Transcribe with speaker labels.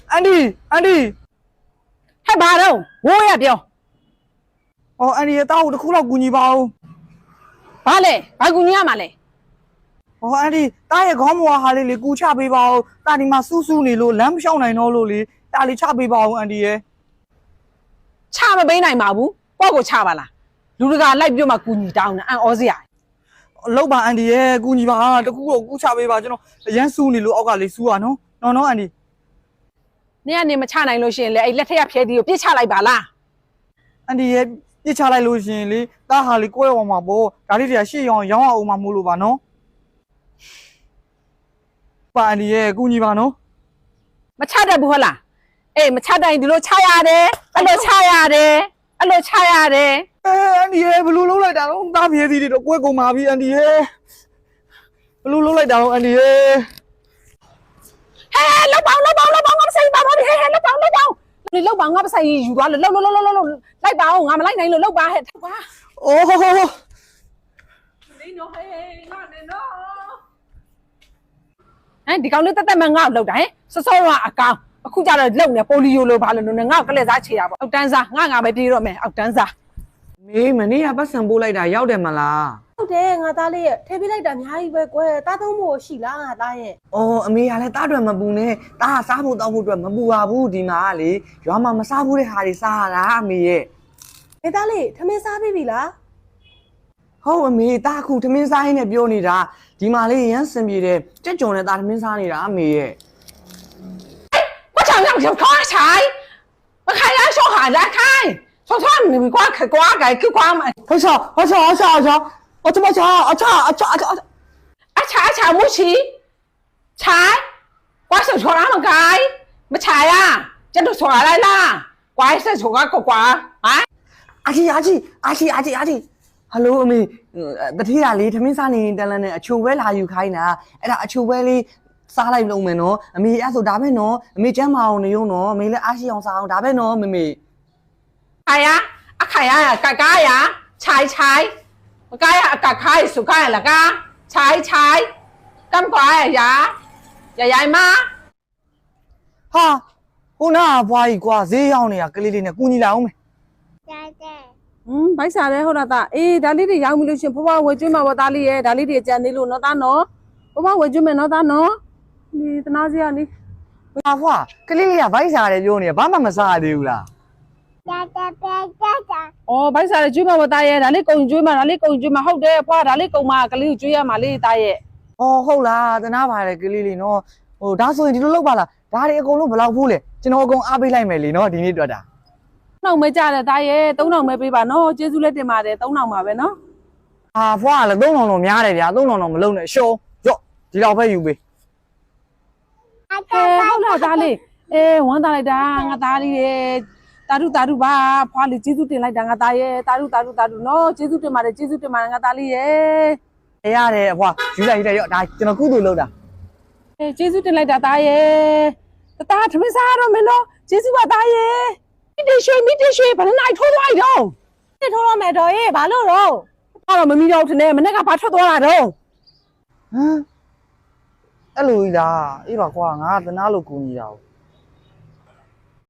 Speaker 1: အန်ဒီ
Speaker 2: ဟဲ့ဘာတော့ဝိုးရပြော
Speaker 1: အော်အန်ဒီရဲ့တားကိုတစ်ခုလောက်ကူညီပါဦး
Speaker 2: ဘာလဲဘာကူညီရမှာလဲ
Speaker 1: အော်အန်ဒီတားရဲ့ခေါင်းမွာဟာလေးလေကူချပေးပါဦးတာဒီမှာစူးစူးနေလို့လမ်းမလျှောက်နိုင်တော့လို့လေတာလေးချပေးပါဦးအန်ဒီရဲ့
Speaker 2: ချမပေးနိုင်ပါဘူးကိုယ့်ကိုချပါလားလူတကာလိုက်ပြမှကူညီတောင်းနေအန်ဩစရာ
Speaker 1: လောက်ပါအန်ဒီရဲ့ကူညီပါတခုတော့ကူချပေးပါကျွန်တော်အရန်စူးနေလို့အောက်ကလေးစူးပါနော်အန်ဒီ
Speaker 2: နင်ကနေမချနိုင်လို့ရှိရင်လေအဲ့လက်ထက်ရဖျဲတီကိုပြစ်ချလိုက်ပါလား
Speaker 1: အန်ဒီရဲ့ပြစ်ချလိုက်လို့ရှင်လေတားဟာလေးကိုယ့်ရောမှာပေါ့ဒါလေးတွေကရှေ့ရောင်းအောင်မှမို့လို့ပါနော်ပါအန်ဒီရဲ့ကူညီပါနော်
Speaker 2: မချတတ်ဘူးဟုတ်လားအေးမချတိုင်ဒီလိုချရတယ်အဲ့လိုချရတယ်အ
Speaker 1: န်ဒီရဲ့ဘလူးလုံးလိုက်တာတော့တားပြေးသေးတယ်တော့ကိုယ့်ကုန်ပါပြီအန်ဒီရဲ့ဘလူးလုံးလိုက်တာတော့အန်ဒီရဲ့
Speaker 2: ဟဲလောက်ပေါင်းငါမဆိုင်ပါဘူးဟဲလောက်ပေါင်း你老板我不是ယူသွားလို့လိုက်ပါအောင်ငါမလိုက်နိုင်လို့လောက်ပါဟဲ့ကွာ
Speaker 1: အိုး
Speaker 2: နေနော်ဟဲ့ငါနေနော်ဒီကောင်လေးတက်မှငါ့ကိုလောက်တာဟဲ့စောကအကောင်အခုကျတော့လုံနေပိုလီယိုလိုဘာလို့လဲငါ့ကိုကလက်စားချေတာပေါ့အောက်တန်းစားငါပဲပြေးတော့မယ်အောက်တန်းစား
Speaker 1: မေးမနေ့ကပတ်စံပိုးလိုက်တာရောက်တယ်မလား
Speaker 3: ဟုတ်တယ်ငါသားလေးရဲ့ထဲပေးလိုက်တာအများကြီးပဲကွယ်တားသုံးဖို့ရှိလားငါသားရဲ့
Speaker 1: အော်အမေကလည်းတားတွေမပူနဲ့တားစားဖို့တောက်ဖို့အတွက်မပူပါဘူးဒီမှာလေရွာမှာမစားဘူးတဲ့ဟာတွေစားရတာအမေရဲ့
Speaker 3: နေသားလေးထမင်းစားပြီလား
Speaker 1: ဟုတ်အမေတားခုထမင်းစားရင်းနဲ့ပြောနေတာဒီမှာလေရမ်းစင်ပြေတယ်ကြက်ကြုံနဲ့တားထမင်းစားနေတာအမေရဲ့
Speaker 2: 我想让小开财我开来说喊来开说你们瓜改去瓜嘛
Speaker 1: 好吵我这么吵
Speaker 2: 查冇錢，查，怪獸錯啦嘛計，咪查啊，真係錯嚟啦，怪獸錯個怪啊！
Speaker 1: 阿姐，hello အမေတတိယလေးသမင်းစားနေတန်းလန်းနဲ့အချိုဝဲလာယူခိုင်းတာအဲ့ဒါအချိုဝဲလေးစားလိုက်လုံးမယ်နော်အမေအဲ့ဆိုဒါပဲနော်အမေကျမ်းမအောင်နေရုံနော်အမေလည်းအားရှိအောင်စားအောင်ဒါပဲနော်မေ
Speaker 2: 係啊，阿係啊，格呀，猜，我解啊，格開數解啦家。猜咁怪呀媽
Speaker 1: ဟာခုနကဘွားကြီးကွာဈေးရောက်နေတာကလေးလေးနဲ့ကူညီလာအောင်မယ်
Speaker 2: ဘိုက်စားလဲဟုတ်လားသားအေးဒါလေးတွေရောက်ပြီလို့ရှင်ဖွားဝယ်ကျွေးမှာပေါ့သားလေးရဲ့ဒါလေးတွေကြံသေးလို့နော်သားနော်ဖွားဝယ်ကျွေးမယ်နော်သားနော်ဒီတနာစရာလေး
Speaker 1: ဟာဖွားကလေးလေးကဘိုက်စားတယ်ပြောနေဘာမှမစားရသေးဘူးလား
Speaker 2: အော်ဘိုက်စားတယ်ကျွေးမှာပေါ့သားရဲ့ဒါလေးကုံကျွေးမှာဟုတ်တယ်ဖွားဒါလေးကုံမှာကလေးကိုကျွေးရမှာလေးသားရဲ့
Speaker 1: အော်ဟုတ်လားတနာပါတယ်ကလေးလေးနော်ဟိုဒါဆိုရင်ဒီလိုလုပ်ပါလားဒါတွေအကုန်လုံးဘယ်လောက်ဘူးလဲကျွန်တော်အကုန်အားပေးလိုက်မယ်လीနော်ဒီနေ့တွေ့တာ
Speaker 2: 3000ပဲကြားတယ်သားရဲ့3000ပဲပေးပါနော်ကျေးဇူးလက်တင်ပါတယ်3000ပါပဲနော်
Speaker 1: ဟာဖွားကလည်း3000တော့များတယ်ဗျာ3000တော့မလုံးနဲ့ရှော့ရော့ဒီလောက်ပဲယူပေး
Speaker 2: ဟုတ်လားသားလေးအေးဝမ်းသာလိုက်တာငါသားလေးရဲ့တာရုပါဖွားလေးကျေးဇူးတင်လိုက်တာငါသားရဲ့တာရုနော်ကျေးဇူးတင်ပါတယ်ငါသားလေးရဲ့
Speaker 1: ရတယ်အဖွားယူလိုက်ရော့ဒါကျွန်တော်ကုသိုလ်လုပ်တာ
Speaker 2: အေးကျေးဇူးတင်လိုက်တာသားရဲ့တာထမင်းစားတော့မင်းနော်ကျေးဇူးပါသားရဲ့မိတရွှေဘယ်နိုင်ထိုးသွားတော့
Speaker 3: ထိုးတော့မယ်တော်ရဲ့ဘာလို့တော့
Speaker 2: တော့မမီတော့ထနေမနေ့ကဘာထွက်သွားတာတော့
Speaker 1: ဟမ်အဲ့လိုကြီးလားအေးပါကွာငါသနာလို့ကူညီတာ